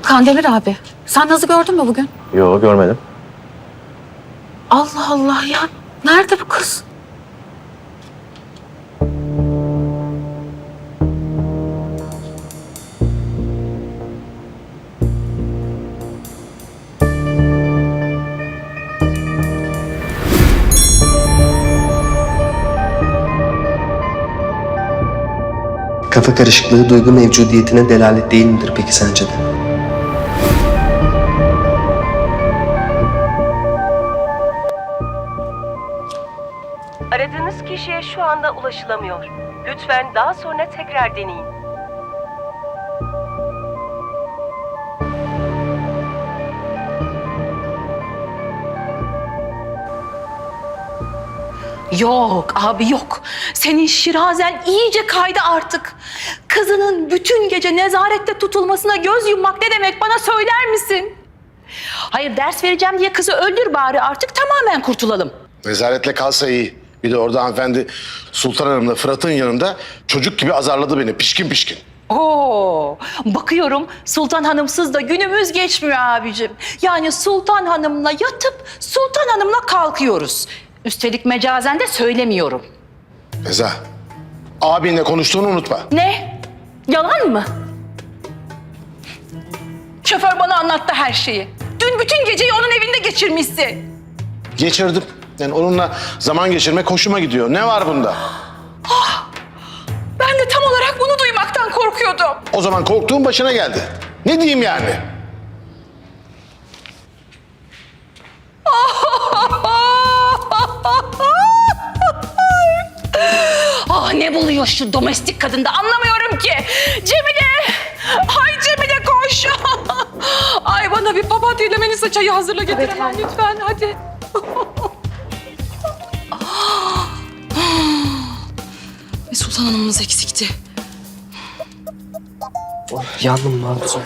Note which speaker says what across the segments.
Speaker 1: Kandemir abi, sen Naz'ı gördün mü bugün?
Speaker 2: Yok, görmedim.
Speaker 1: Allah Allah ya. Nerede bu kız?
Speaker 3: Kafa karışıklığı duygu mevcudiyetine delalet değil midir peki sence de?
Speaker 4: Aradığınız kişiye şu anda ulaşılamıyor. Lütfen daha sonra tekrar deneyin.
Speaker 5: Yok abi yok. Senin şirazen iyice kaydı artık. Kızının bütün gece nezarette tutulmasına göz yummak ne demek bana söyler misin? Hayır ders vereceğim diye kızı öldür bari artık tamamen kurtulalım.
Speaker 6: Nezaretle kalsa iyi. Bir de orada hanımefendi Sultan Hanım'la Fırat'ın yanında çocuk gibi azarladı beni pişkin pişkin.
Speaker 5: Oo, bakıyorum Sultan Hanımsız da günümüz geçmiyor abicim. Yani Sultan Hanım'la yatıp Sultan Hanım'la kalkıyoruz. Üstelik mecazen de söylemiyorum.
Speaker 6: Feza, abinle konuştuğunu unutma.
Speaker 5: Ne? Yalan mı? Şoför bana anlattı her şeyi. Dün bütün geceyi onun evinde geçirmişsin.
Speaker 6: Geçirdim. Yani onunla zaman geçirmek hoşuma gidiyor. Ne var bunda?
Speaker 5: Ben de tam olarak bunu duymaktan korkuyordum.
Speaker 6: O zaman korktuğum başına geldi. Ne diyeyim yani?
Speaker 5: Ne buluyor şu domestik kadında anlamıyorum ki. Cemile! Ay Cemile koş! Ay bana bir papatya ile Melisa çayı hazırla getir hemen lütfen hadi. Ve Sultan Hanım'ımız eksikti.
Speaker 3: Yandım Mahmut.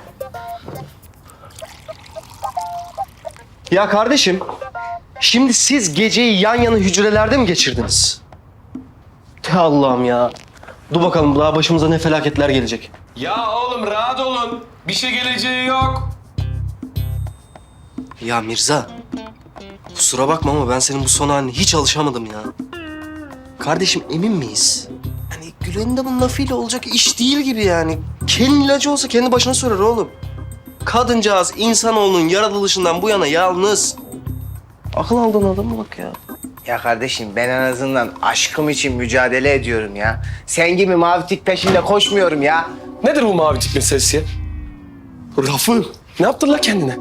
Speaker 3: Ya kardeşim, şimdi siz geceyi yan yana hücrelerde mi geçirdiniz? Ya Allah'ım ya. Dur bakalım daha başımıza ne felaketler gelecek.
Speaker 7: Ya oğlum rahat olun. Bir şey geleceği yok.
Speaker 3: Ya Mirza, kusura bakma ama ben senin bu son haline hiç alışamadım ya. Kardeşim emin miyiz? Hani Gülen'in de bunun lafıyla olacak iş değil gibi yani. Kendi ilacı olsa kendi başına sürer oğlum. Kadıncağız insanoğlunun yaratılışından bu yana yalnız. Akıl aldığın adama bak ya.
Speaker 8: Ya kardeşim ben en azından aşkım için mücadele ediyorum ya. Sen gibi mavi tik peşinde koşmuyorum ya.
Speaker 7: Nedir bu mavicik meselesi ya? Rafı. Ne yaptın la kendine?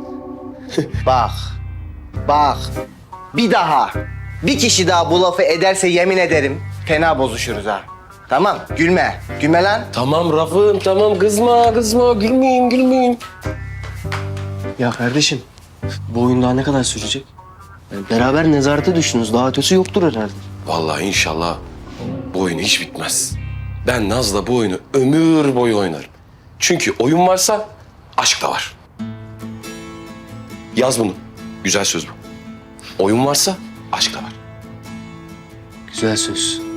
Speaker 8: Bak. Bir daha, bir kişi daha bu lafı ederse yemin ederim fena bozuşuruz ha. Tamam, gülme lan.
Speaker 7: Tamam Rafım, tamam kızma, gülmeyeyim.
Speaker 3: Ya kardeşim, bu oyun daha ne kadar sürecek? Yani beraber nezarete düştünüz. Daha ötesi yoktur herhalde.
Speaker 7: Vallahi inşallah bu oyun hiç bitmez. Ben Naz'la bu oyunu ömür boyu oynarım. Çünkü oyun varsa aşk da var. Yaz bunu. Güzel söz bu. Oyun varsa aşk da var.
Speaker 3: Güzel söz.